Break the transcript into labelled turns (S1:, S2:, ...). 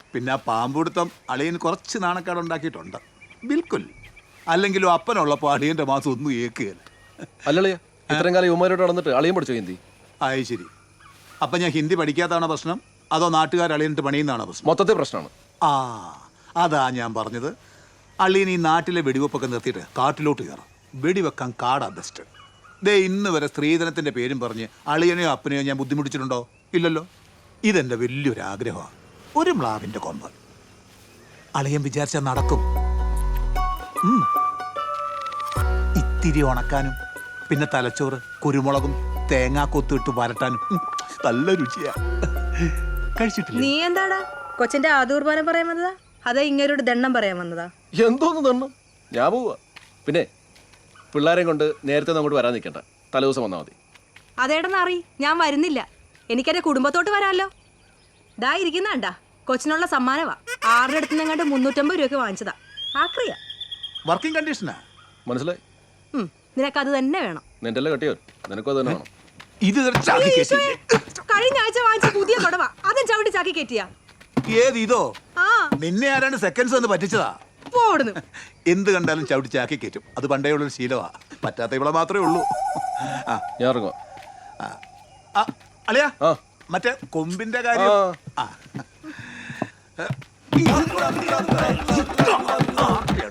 S1: പിന്നെ ആ പാമ്പുടുത്തം അളിയന് കുറച്ച് നാണക്കേട് ഉണ്ടാക്കിയിട്ടുണ്ട്. ബിൽക്കുൽ. അല്ലെങ്കിലും അപ്പനുള്ളപ്പോൾ അളിയൻ്റെ മാസം ഒന്നും ഏക്കുകയല്ല.
S2: അല്ലളിയ ഇത്രയും കാലം യുവമാരോട് നടന്നിട്ട് അളിയും പഠിച്ചോ ഹിന്ദി?
S1: ആയി ശരി. അപ്പം ഞാൻ ഹിന്ദി പഠിക്കാത്തതാണോ പ്രശ്നം, അതോ നാട്ടുകാർ അളിയനിട്ട് പണിയുന്നതാണോ പ്രശ്നം?
S2: മൊത്തത്തിൽ പ്രശ്നമാണ്.
S1: ആ അതാ ഞാൻ പറഞ്ഞത്. അളിയൻ ഈ നാട്ടിലെ വെടിവെപ്പൊക്കെ നിർത്തിയിട്ട് കാട്ടിലോട്ട് കയറാം. വെടിവെക്കാൻ കാടാ ബെസ്റ്റ്. ദേ ഇന്ന് വരെ സ്ത്രീധനത്തിൻ്റെ പേരും പറഞ്ഞ് അളിയനെയോ അപ്പനെയോ ഞാൻ ബുദ്ധിമുട്ടിച്ചിട്ടുണ്ടോ? ഇല്ലല്ലോ. ഇതെൻ്റെ വലിയൊരു ആഗ്രഹമാണ്. ഒരു മ്ലാവിൻ്റെ കൊമ്പ്. അളിയൻ വിചാരിച്ചാൽ നടക്കും. ഇത്തിരി ഉണക്കാനും പിന്നെ തലച്ചോറ് കുരുമുളകും തേങ്ങാക്കൊത്തിട്ട് വരട്ടാനും നല്ല രുചിയാ. കഴിച്ചിട്ടില്ല?
S3: നീ എന്താടാ കൊച്ചിന്റെ ആദൂർബാനം പറയാൻ വന്നതാ, അതേ ഇങ്ങനൊരു ദണ്ണം പറയാൻ വന്നതാ?
S2: എന്തോന്ന് തണ്ണം, ഞാൻ പോവാ. പിന്നെ പിള്ളേരെയും കൊണ്ട് നേരത്തെ അങ്ങോട്ട് വരാൻ നിൽക്കണ്ട, തലേദിവസം വന്നാൽ മതി.
S3: അതേടെന്ന് അറി, ഞാൻ വരുന്നില്ല. എനിക്കെന്റെ കുടുംബത്തോട്ട് വരാമല്ലോ. ദാ ഇരിക്കുന്നാണ്ടാ കൊച്ചിനുള്ള സമ്മാനവാ. 6 അടുത്ത് നിന്നങ്ങാണ്ട് 350 രൂപയ്ക്ക് വാങ്ങിച്ചതാ. ആക്രിയ
S1: വർക്കിംഗ് കണ്ടീഷനാ.
S2: മനസ്സിലായി?
S3: നിനക്കത് തന്നെ വേണം.
S2: നിന്റെ അല്ലേ കെട്ടിയോ, നിനക്കും അത് തന്നെ വേണം.
S1: ഇത് ചാക്കി കയറ്റിയില്ലേ?
S3: കഴിഞ്ഞ ആഴ്ച വാങ്ങിച്ച പുതിയ കൊടവാ, അതും ചവിട്ടി ചാക്കി കയറ്റിയാ.
S1: ഏത് ഇതോ?
S3: ആ
S1: നിന്നെ ആരാണ്ട് സെക്കൻഡ്സ് വന്ന് പറ്റിച്ചതാ.
S3: പോടുന്നു.
S1: എന്ത് കണ്ടാലും ചവിട്ടി ചാക്കി കയറ്റും. അത് പണ്ടേ ഉള്ളൊരു ശീലമാ. പറ്റാത്ത ഇവിടെ മാത്രമേ ഉള്ളൂ.
S2: ഞാൻ ഇറങ്ങുക.
S1: അളിയാ
S2: ആ
S1: മറ്റേ കൊമ്പിന്റെ കാര്യം.
S2: ആ.
S1: ആ